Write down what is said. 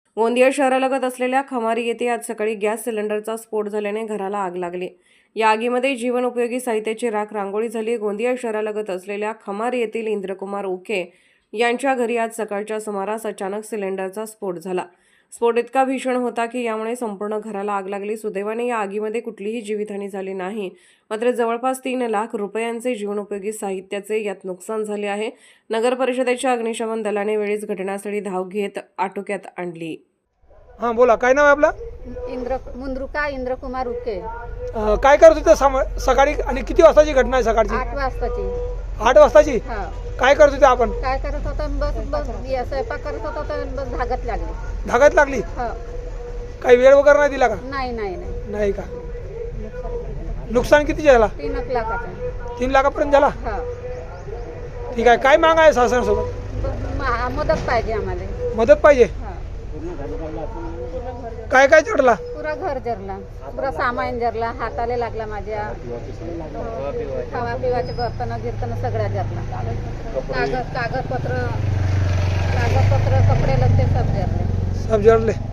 गोंदिया शहरालगत असलेल्या खमारी येथे आज सकाळी गॅस सिलेंडरचा स्फोट झाल्याने घराला आग लागली। या आगीमध्ये जीवनोपयोगी साहित्याची राख रांगोळी झाली। गोंदिया शहरालगत असलेल्या खमारी येथील इंद्रकुमार उके यांच्या घरी आज सकाळच्या सुमारास अचानक सिलेंडरचा स्फोट झाला। स्फोट इतका भीषण होता की यामुळे संपूर्ण घराला आग लागली। सुदैवाने या आगीमध्ये कुठलीही जीवितहानी झाली नाही, मात्र जवळपास 3 लाख रुपयांचे जीवनोपयोगी साहित्याचे यात नुकसान झाले आहे। नगर परिषदेच्या अग्निशमन दलाने वेळीच घटनास्थळी धाव घेत आटोक्यात आणली। हां बोला, काय नाव आहे आपलं? मुंद्रुका इंद्रकुमार उके। काय करत होते सकाळी आणि किती वाजताची घटना आहे? सकाळची 8 वाजताची। 8 वाजताची? हा। काय करत होते आपण? काय करत होता? बस स्वयंपाक करत होता तर बस धागत लागली। धागत लागली? हा। काही वेळ वगैरे नाही दिला का? नाही नाही का? नुकसान किती झाला? 3 लाखाचं। 3 लाखापर्यंत झाला? हा। ठीक आहे, काय माग आहे शासनासोबत? मदत पाहिजे आम्हाला। मदत पाहिजे? हा। काय काय चढला? पुरा घर जरला, पुरा सामान जरला, हाताला लागला माझ्या। खावा पिवाचे बर्तन गिरतन सगळ्या जरला। कागदपत्र कपडे लत्ते सब जरले। सब जळले?